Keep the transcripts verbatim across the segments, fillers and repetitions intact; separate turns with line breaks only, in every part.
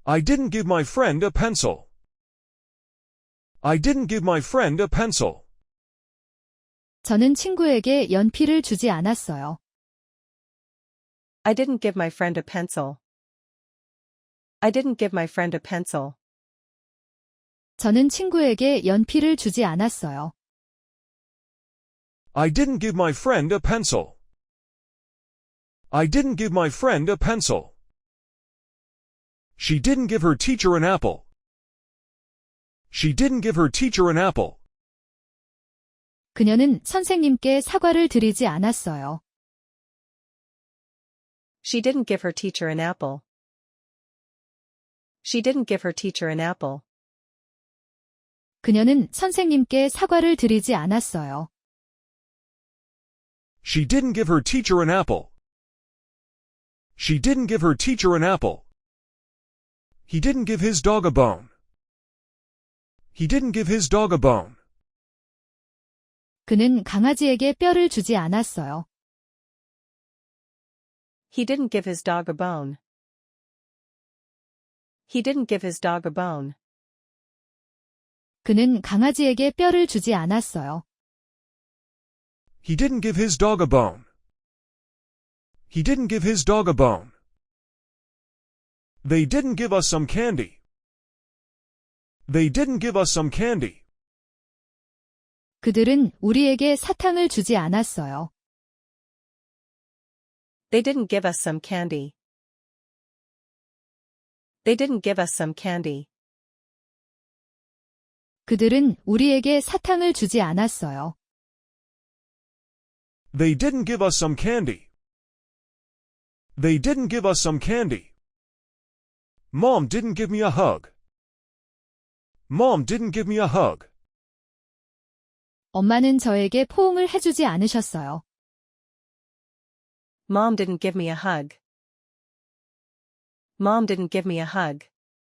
I didn't give my friend a pencil. I didn't give my friend a pencil.
저는 친구에게 연필을 주지 않았어요.
I didn't give my friend a pencil. I didn't give my friend a pencil.
저는 친구에게 연필을 주지 않았어요.
I didn't give my friend a pencil. I didn't give my friend a pencil. She didn't give her teacher an apple. She didn't give her teacher an apple.
그녀는 선생님께 사과를 드리지 않았어요.
She didn't give her teacher an apple. She didn't give her teacher an apple.
그녀는 선생님께 사과를 드리지 않았어요.
She didn't give her teacher an apple. She didn't give her teacher an apple. He didn't give his dog a bone. He didn't give his dog a bone.
그는 강아지에게 뼈를 주지 않았어요.
He didn't give his dog a bone. He didn't give his dog a bone.
그는 강아지에게 뼈를 주지 않았어요.
He didn't give his dog a bone. He didn't give his dog a bone. They didn't give us some candy. They didn't give us some candy.
그들은 우리에게 사탕을 주지 않았어요.
They didn't give us some candy. They didn't give us some candy.
그들은 우리에게 사탕을 주지 않았어요.
They didn't give us some candy. They didn't give us some candy. Mom didn't give me a hug. Mom didn't give me a hug.
엄마는 저에게 포옹을 해주지 않으셨어요.
Mom didn't give me a hug. Mom didn't give me a hug.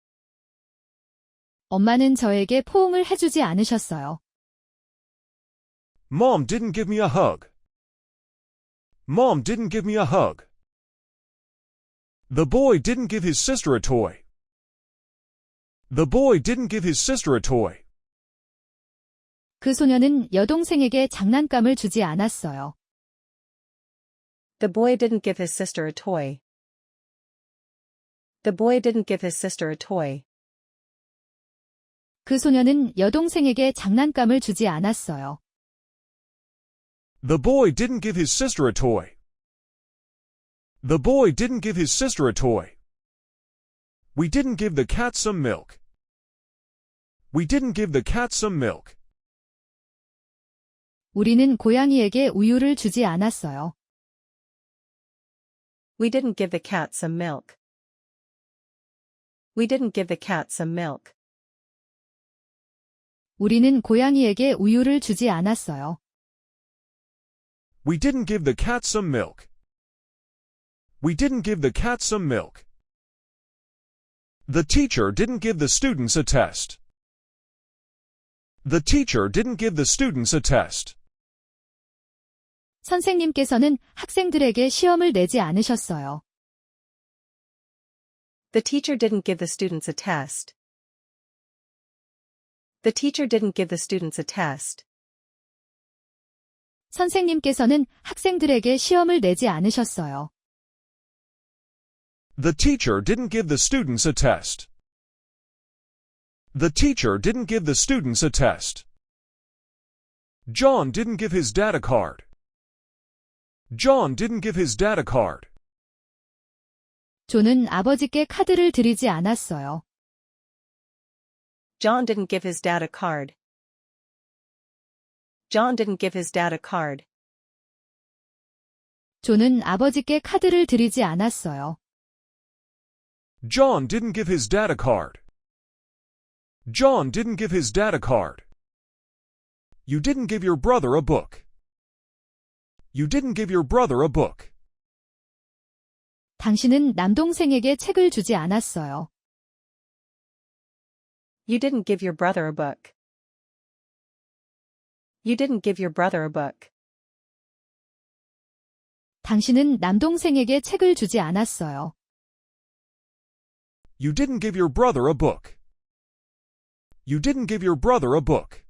엄마는 저에게 포옹을 해주지 않으셨어요.
Mom didn't give me a hug. Mom didn't give me a hug. The boy didn't give his sister a toy. The boy didn't give his sister a toy.
그 소녀는 여동생에게 장난감을 주지 않았어요.
The boy didn't give his sister a toy. The boy didn't give his sister a toy.
그 소녀는 여동생에게 장난감을 주지 않았어요.
The boy didn't give his sister a toy. The boy didn't give his sister a toy. We didn't give the cat some milk. We didn't give the cat some milk.
우리는 고양이에게 우유를 주지 않았어요.
We didn't give the cat some milk. We didn't give the cat some milk.
우리는 고양이에게 우유를 주지 않았어요.
We didn't give the cat some milk. We didn't give the cat some milk. The teacher didn't give the students a test. The teacher didn't give the students a test.
선생님께서는 학생들에게 시험을 내지 않으셨어요.
The teacher didn't give the students a test. The teacher didn't give the students a test.
선생님께서는 학생들에게 시험을 내지 않으셨어요.
The teacher didn't give the students a test. The teacher didn't give the students a test. John didn't give his dad a card. John didn't give his dad a card.
존은 아버지께 카드를 드리지 않았어요.
John didn't give his dad a card. John didn't give his dad a card.
존은 아버지께 카드를 드리지 않았어요.
John didn't give his dad a card. John didn't give his dad a card. You didn't give your brother a book. You didn't give your brother a book.
당신은 남동생에게 책을 주지 않았어요.
You didn't give your brother a book. You didn't give your brother a book.
당신은 남동생에게 책을 주지 않았어요.
You didn't give your brother a book. You didn't give your brother a book.